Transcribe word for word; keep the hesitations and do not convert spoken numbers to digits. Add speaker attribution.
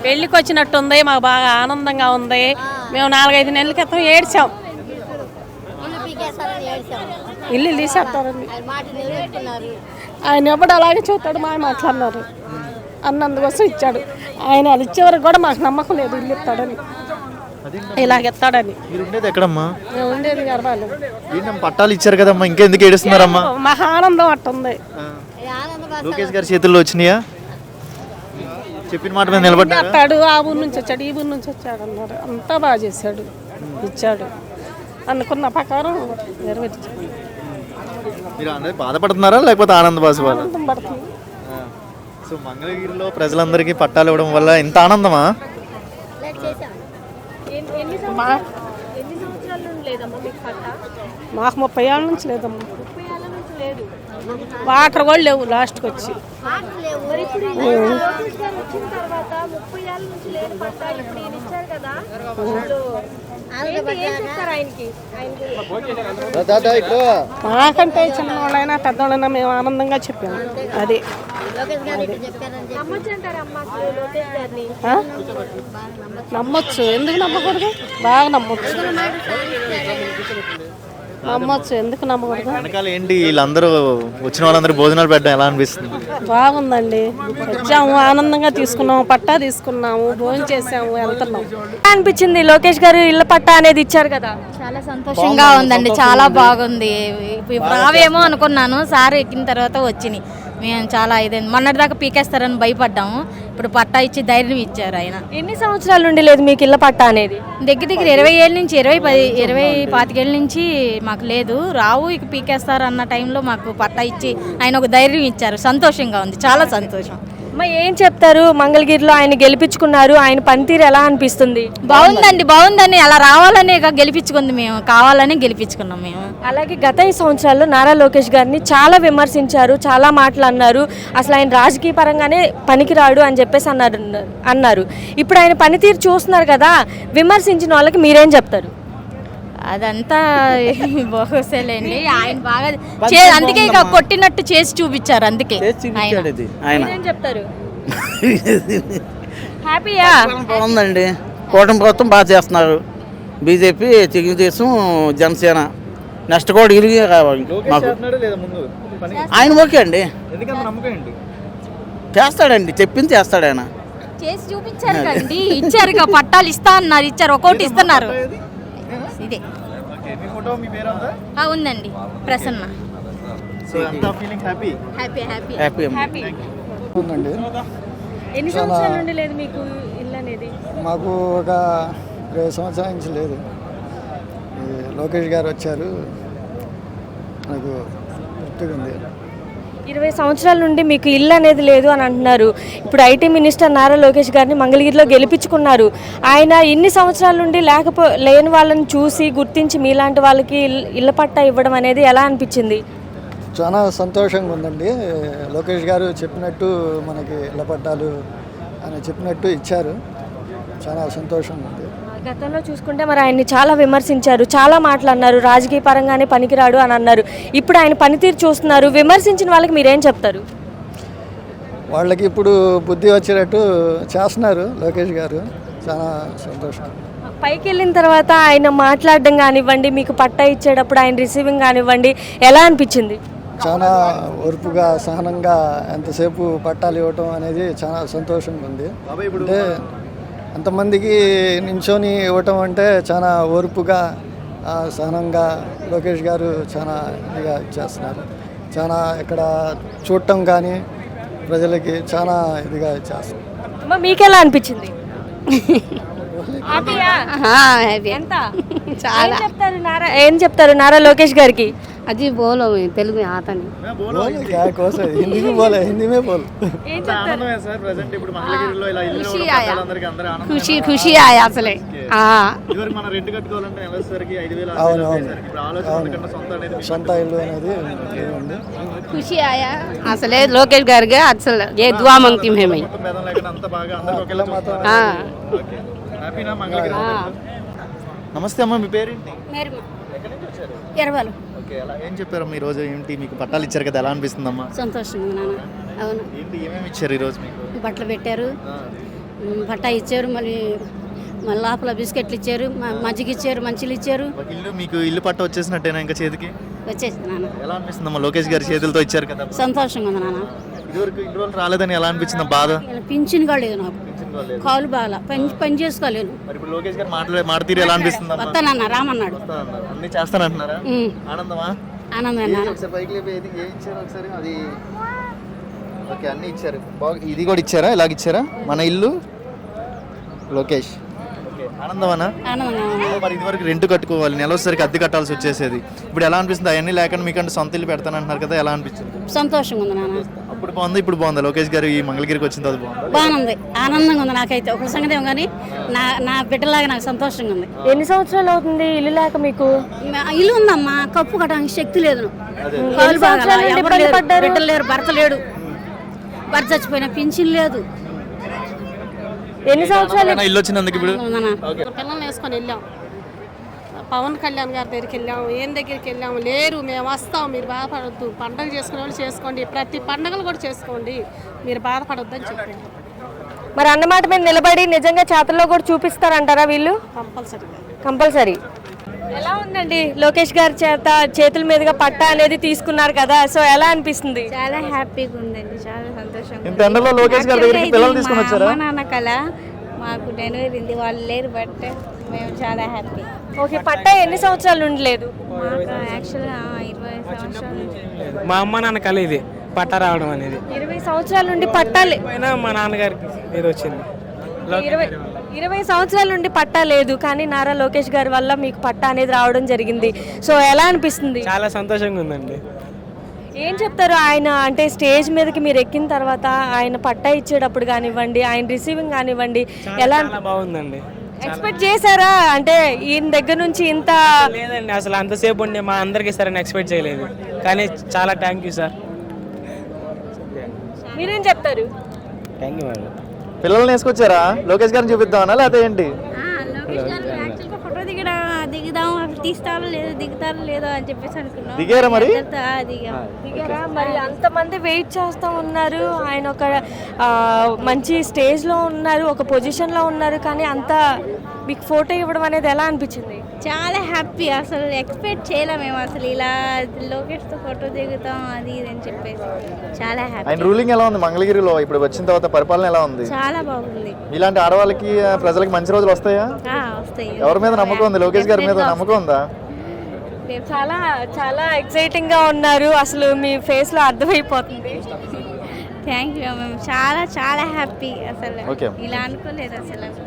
Speaker 1: పెళ్ళికి వచ్చినట్టు ఉంది, మాకు బాగా ఆనందంగా ఉంది. మేము నాలుగైదు నెలల క్రితం ఏడ్చాం, ఇల్లు తీసేస్తారండి. ఆయన ఎప్పుడు అలాగే చూస్తాడు, మా మాట్లాడినారు అన్నందుకోసం ఇచ్చాడు. ఆయన అది ఇచ్చే వరకు కూడా మాకు నమ్మకం లేదు ఇల్లు ఇస్తాడని, ఇలాగెత్తాడని.
Speaker 2: ఎక్కడమ్మా
Speaker 1: మేము ఉండేది గర్భాలు.
Speaker 2: పట్టాలు ఇచ్చారు కదమ్మా, ఇంకెందుకు ఏడుస్తున్నారమ్మా?
Speaker 1: మహా ఆనందం అట్టుంది.
Speaker 2: లోకేష్ గారి చేతుల్లో వచ్చినాయా? చెప్పిన మాట మీద
Speaker 1: నిలబడ్డాడు. ఆ ఊరు నుంచి వచ్చాడు, ఈ ఊరు నుంచి వచ్చాడు అన్నారు. అంతా బాగా చేశాడు, ఇచ్చాడు, అనుకున్న ప్రకారం నెరవేర్చాడు.
Speaker 2: మీరు బాధపడుతున్నారా లేకపోతే ఆనంద బాధ?
Speaker 1: ఆనందం పడుతుంది.
Speaker 2: సో మంగళగిరిలో ప్రజలందరికీ పట్టాలు ఇవ్వడం వల్ల ఇంత ఆనందమా?
Speaker 1: మాకు ముప్పై ఏళ్ళ నుంచి లేదమ్మా, వాటర్ కూడా లేవు లాస్ట్కి వచ్చి. మాకంటే చిన్నవాళ్ళైనా పెద్దవాళ్ళైనా మేము ఆనందంగా చెప్పాము. అది నమ్మొచ్చు, ఎందుకు నమ్మకూడదు? బాగా నమ్మొచ్చు, నమ్మొచ్చు, ఎందుకు నమ్మకూడదు?
Speaker 2: వెనకాల ఏంటి వీళ్ళందరూ వచ్చిన వాళ్ళందరూ భోజనాలు పెట్టడం ఎలా అనిపిస్తుంది?
Speaker 1: బాగుందండి, వచ్చాము, ఆనందంగా తీసుకున్నాము, పట్టా తీసుకున్నాము, భోజనం చేసాము, వెళ్తున్నాము.
Speaker 3: అనిపించింది లోకేష్ గారు ఇళ్ళ పట్టా అనేది ఇచ్చారు కదా,
Speaker 4: చాలా సంతోషంగా ఉందండి, చాలా బాగుంది. రావేమో అనుకున్నాను, సార్ ఎక్కిన తర్వాత వచ్చినాయి. మేము చాలా ఇదైంది, మొన్నటిదాకా పీకేస్తారని భయపడ్డాము, ఇప్పుడు పట్టా ఇచ్చి ధైర్యం ఇచ్చారు ఆయన.
Speaker 3: ఎన్ని సంవత్సరాల నుండి లేదు మీకు ఇళ్ళ పట్టా అనేది?
Speaker 4: దగ్గర దగ్గర ఇరవై ఏళ్ళ నుంచి ఇరవై పది ఇరవై పాతికేళ్ళ నుంచి మాకు లేదు, రావు ఇక పీకేస్తారు అన్న టైంలో మాకు పట్టా ఇచ్చి ఆయన ఒక ధైర్యం ఇచ్చారు. సంతోషంగా ఉంది, చాలా సంతోషం.
Speaker 3: అమ్మ ఏం చెప్తారు? మంగళగిరిలో ఆయన గెలిపించుకున్నారు, ఆయన పనితీరు ఎలా అనిపిస్తుంది?
Speaker 4: బాగుందండి, బాగుందని, అలా రావాలని గెలిపించుకుంది, మేము కావాలని గెలిపించుకున్నాం మేము.
Speaker 3: అలాగే గత ఈ సంవత్సరాల్లో నారా లోకేష్ గారిని చాలా విమర్శించారు, చాలా మాటలు అన్నారు, అసలు ఆయన రాజకీయ పరంగానే పనికిరాడు అని చెప్పేసి అన్నారు అన్నారు ఇప్పుడు ఆయన పనితీరు చూస్తున్నారు కదా, విమర్శించిన వాళ్ళకి మీరేం చెప్తారు?
Speaker 4: అదంతా బహుశలేండి, ఆయన బాగా అందుకే ఇక కొట్టినట్టు చేసి చూపించారు, అందుకే
Speaker 3: ఆయన చెప్తారు. హ్యాపీయా?
Speaker 5: బాగుందండి, కూటమి ప్రభుత్వం బాగా చేస్తున్నారు. బీజేపీ, తెలుగుదేశం, జనసేన నెక్స్ట్ కూడా ఇరిగే కావాలి మాకు. ఆయన ఓకే అండి, చేస్తాడండి, చెప్పింది చేస్తాడు ఆయన.
Speaker 4: చేసి చూపించారు కదండి, ఇచ్చారు ఇక పట్టాలు ఇస్తా అన్నారు, ఇచ్చారు, ఒక్కొక్కటి ఇస్తున్నారు. ఇదే ఉందండి ప్రసన్న.
Speaker 3: ఎన్ని సంవత్సరాల నుండి లేదు మీకు ఇల్లు అనేది?
Speaker 6: మాకు ఒక ఇరవై సంవత్సరాల నుంచి లేదు. లోకేష్ గారు వచ్చారు, నాకు గుర్తుగా ఉంది.
Speaker 3: ఇరవై సంవత్సరాల నుండి మీకు ఇల్లు అనేది లేదు అని అంటున్నారు. ఇప్పుడు ఐటీ మినిస్టర్ నారా లోకేష్ గారిని మంగళగిరిలో గెలిపించుకున్నారు. ఆయన ఇన్ని సంవత్సరాల నుండి లేకపో లేని వాళ్ళని చూసి గుర్తించి మీలాంటి వాళ్ళకి ఇళ్ళ పట్టా ఇవ్వడం అనేది ఎలా అనిపించింది?
Speaker 6: చాలా సంతోషంగా ఉందండి. లోకేష్ గారు చెప్పినట్టు మనకి ఇళ్ళ పట్టాలు అని చెప్పినట్టు ఇచ్చారు, చాలా సంతోషంగా ఉంది.
Speaker 3: గతంలో చూసుకుంటే మరి ఆయన్ని చాలా విమర్శించారు, చాలా మాటలు అన్నారు, రాజకీయ పరంగానే పనికిరాడు అని అన్నారు. ఇప్పుడు ఆయన పనితీరు చూస్తున్నారు, విమర్శించిన వాళ్ళకి మీరేం చెప్తారు?
Speaker 6: వాళ్ళకి ఇప్పుడు బుద్ధి వచ్చేటట్టు చేస్తున్నారు లోకేష్ గారు, చాలా సంతోషం.
Speaker 3: పైకి వెళ్ళిన తర్వాత ఆయన మాట్లాడడం కానివ్వండి, మీకు పట్టా ఇచ్చేటప్పుడు ఆయన రిసీవింగ్ కానివ్వండి, ఎలా అనిపించింది?
Speaker 6: చాలా ఓర్పుగా, సహనంగా ఎంతసేపు పట్టాలు ఇవ్వటం అనేది చాలా సంతోషంగా ఉంది. అంటే అంతమందికి నించొని ఇవ్వటం అంటే చాలా ఓర్పుగా, సహనంగా లోకేష్ గారు చాలా ఇదిగా చేస్తున్నారు. చాలా ఇక్కడ చూడటం కానీ ప్రజలకి చాలా ఇదిగా చేస్తున్నారు.
Speaker 3: మీకు ఎలా అనిపించింది? ఏం చెప్తారు నారా లోకేష్ గారికి?
Speaker 7: అజీ బోలో తెలుగు ఆతని
Speaker 6: क्या कोस है हिंदी में बोले हिंदी में बोल
Speaker 7: ఖుషి ఖుషి ఆయా అసలే
Speaker 6: సొంత ఇల్లు అనేది
Speaker 7: ఖుషి ఆయా అసలే లోకేష్ గారికి అసలు ఏ దువా మంగతీ హై మై
Speaker 2: నమస్తే అమ్మ, మీ పేరేంటి?
Speaker 7: ఎరవాలు.
Speaker 2: ఏం చెప్పారు ఈ రోజు? ఏంటి మీకు పట్టాలు ఇచ్చారు కదా, ఎలా అనిపిస్తుంది అమ్మా?
Speaker 7: సంతోషంగా నాన్న. అవును,
Speaker 2: ఏంటి ఏమేమి ఇచ్చారు ఈ రోజు మీకు?
Speaker 7: బట్టలు పెట్టారు,
Speaker 8: ఉమ్, పట్టా ఇచ్చారు, మళ్ళీ మళ్ళీ లోపల బిస్కెట్లు ఇచ్చారు, మ- మజ్జిగ ఇచ్చారు, మంచిలు ఇచ్చారు.
Speaker 2: ఒక ఇల్లు మీకు ఇల్లు పట్ట వచ్చేసినట్టేనా ఇంకా చేతికి?
Speaker 8: వచ్చేసి నాన్న
Speaker 2: ఎలా అనిపిస్తుందమ్మా లోకేష్ గారి చేతులతో ఇచ్చారు కదా?
Speaker 8: సంతోషంగా ఉంది నాన్న.
Speaker 2: ఇదివరకు ఇన్ని రోజులు రాలేదని ఎలా అనిపించింది బాధ?
Speaker 8: ఇలా పింఛన్ కూడా లేదు నాకు, కాలు బాగా పని పని చేసుకోలేను.
Speaker 2: మరి ఇప్పుడు లోకేష్ గారు మాట్లాడే మాట తీరు ఎలా అనిపిస్తుంది?
Speaker 8: వస్తానన్న రామన్నాడు.
Speaker 2: అన్ని చేస్తానంటున్నారా?
Speaker 8: ఉమ్,
Speaker 2: ఆనందమా?
Speaker 8: ఆనందం నాన్న.
Speaker 2: ఒకసారి పైకి లేపి ఏది ఏ ఇచ్చారు ఒకసారి అది. ఓకే అన్ని ఇచ్చారు. బాగా ఇది కూడా ఇచ్చారా? ఇలాగ ఇచ్చారా? మన ఇల్లు లోకేష్. ఓకే ఆనందమనా?
Speaker 8: ఆనందంగా ఉంది.
Speaker 2: మరి ఇదివరకు రెంట్ కట్టుకోవాలి, నెల వచ్చేసరికి అద్దె కట్టాల్సి వచ్చేసేది. ఇప్పుడు ఎలా అనిపిస్తుంది? అవన్నీ లేకుండా మీకంటే సొంత ఇల్లు పెడతానంటున్నారు కదా, ఎలా అనిపించింది?
Speaker 8: సంతోషంగా ఉంది నాన్న.
Speaker 2: అప్పుడు బాగుంది, ఇప్పుడు బాగుందా? లోకేష్ గారు ఈ మంగళగిరికి వచ్చిన తర్వాత బాగుంది.
Speaker 8: బాగుంది, ఆనందంగా ఉంది. నాకైతే ఒక సంగతి ఏమో కానీ నా నా బిడ్డలాగా నాకు సంతోషంగా ఉంది.
Speaker 3: ఎన్ని సంవత్సరాలు అవుతుంది ఇల్లు లేక మీకు?
Speaker 8: మా ఇల్లు ఉందమ్మా, కప్పు కట్టడానికి శక్తి లేదు.
Speaker 3: ఎన్ని
Speaker 8: కాలు బాగా
Speaker 3: సంవత్సరాల నుండి
Speaker 8: ఎవరు
Speaker 3: ఇబ్బంది
Speaker 8: లేరు,
Speaker 3: పడ్డారు?
Speaker 8: బిడ్డలు లేరు, భర్త లేడు, భర్త చచ్చిపోయిన పింఛన్ లేదు.
Speaker 3: ఎన్ని సంవత్సరాలు?
Speaker 2: ఏమైనా ఇల్లు వచ్చినందుకు ఇప్పుడు
Speaker 8: ఉందన్నా.
Speaker 1: పిల్లల్ని వేసుకొని వెళ్ళాం, పవన్ కళ్యాణ్ గారి దగ్గరికి వెళ్ళాము, ఏం దగ్గరికి వెళ్ళాము, లేరు మేము వస్తాం, మీరు బాధపడొద్దు, పండగ చేసుకునే వాళ్ళు చేసుకోండి, ప్రతి పండగలు కూడా చేసుకోండి, మీరు బాధపడొద్దు అని చెప్పండి.
Speaker 3: మరి అన్నమాట మీద నిలబడి నిజంగా చేతల్లో కూడా చూపిస్తారంటారా వీళ్ళు?
Speaker 1: కంపల్సరీగా.
Speaker 3: కంపల్సరీ. ఎలా ఉందండి లోకేష్ గారి చేత చేతుల మీదుగా పట్టా అనేది తీసుకున్నారు కదా, సో ఎలా అనిపిస్తుంది?
Speaker 9: చాలా హ్యాపీగా ఉందండి, చాలా సంతోషంగా
Speaker 2: ఇంత ఎండలో లోకేష్ గారి దగ్గరికి పిల్లలు తీసుకొని వచ్చారా?
Speaker 9: మా నాన్న కళ, మాకు డెలివరీ ఉంది, వాళ్ళు లేరు, బట్ మేము చాలా హ్యాపీ.
Speaker 3: ఓకే, పట్టా ఎన్ని సంవత్సరాల నుండి లేదు?
Speaker 9: మాకు యాక్చువల్గా ఇరవై సంవత్సరాల నుంచి
Speaker 10: మా అమ్మ నాన్న కళ ఇది పట్ట రావడం అనేది.
Speaker 3: ఇరవై సంవత్సరాల నుండి పట్టాలే
Speaker 10: అయినా మా నాన్నగారికి ఇది వచ్చింది.
Speaker 3: ఇరవై ఇరవై సంవత్సరాల నుండి పట్టా లేదు, కానీ నారా లోకేష్ గారి వల్ల మీకు పట్టా అనేది రావడం జరిగింది. సో ఎలా అనిపిస్తుంది?
Speaker 10: చాలా సంతోషంగా ఉందండి.
Speaker 3: ఏం చెప్తారు ఆయన అంటే స్టేజ్ మీదకి మీరు ఎక్కిన తర్వాత ఆయన పట్టా ఇచ్చేటప్పుడు కానివ్వండి, ఆయన రిసీవింగ్ కానివ్వండి, ఎలా
Speaker 10: చాలా బాగుందండి.
Speaker 3: ఎక్స్పెక్ట్ చేశారా? అంటే ఈయన దగ్గర నుంచి ఇంత
Speaker 10: లేదండి, అసలు అంతసేపు ఉండి మా అందరికి ఇస్తారని ఎక్స్పెక్ట్ చేయలేదు, కానీ చాలా థ్యాంక్ యూ సార్.
Speaker 3: మీరేం చెప్తారు?
Speaker 10: Thank you madam.
Speaker 2: పిల్లల్ని వేసుకొచ్చారా? లోకేష్ గారిని చూపిద్దామనా లేకపోతే ఏంటి?
Speaker 9: లోకేష్ గారు యాక్చువల్గా ఫోటో దిగడం దిగుదాం, తీస్తారో లేదో దిగుతారో లేదో అని చెప్పేసి అనుకున్నాం.
Speaker 2: దిగారా మరి?
Speaker 9: అందరితో, ఆ, దిగాం.
Speaker 3: దిగారా? మరి అంతమంది వెయిట్ చేస్తూ ఉన్నారు, ఆయన ఒక ఆ, మంచి స్టేజ్లో ఉన్నారు, ఒక పొజిషన్లో ఉన్నారు, కానీ అంత మీకు ఫోటో ఇవ్వడం అనేది ఎలా అనిపించింది?
Speaker 9: చాలా హ్యాపీ, అసలు ఎక్స్పెక్ట్ చేయలేం మేము అసలు ఇలా లోకేష్తో ఫోటో దిగుతాం అది ఇది అని చెప్పేసి. చాలా హ్యాపీ,
Speaker 2: ఆయన రూలింగ్ ఎలా ఉంది మంగళగిరిలో? ఇప్పుడు వచ్చిన తర్వాత పరిపాలన ఎలా ఉంది?
Speaker 9: చాలా బాగుంది.
Speaker 2: ఇలాంటి ఆడవాళ్ళకి ప్రజలకి మంచి రోజులు వస్తాయా?
Speaker 9: ఆ, వస్తాయి.
Speaker 2: ఎవరి మీద నమ్మకం ఉంది? లోకేష్ గారి మీద నమ్మకం ఉందా?
Speaker 3: చాలా చాలా ఎక్సైటింగ్ గా ఉన్నారు, అసలు మీ ఫేస్ లో అర్థమైపోతుంది.
Speaker 9: థ్యాంక్ యూ, మేము చాలా చాలా హ్యాపీ. అసలు
Speaker 2: ఓకే.
Speaker 9: ఇలా అనుకోలేదు అసలు.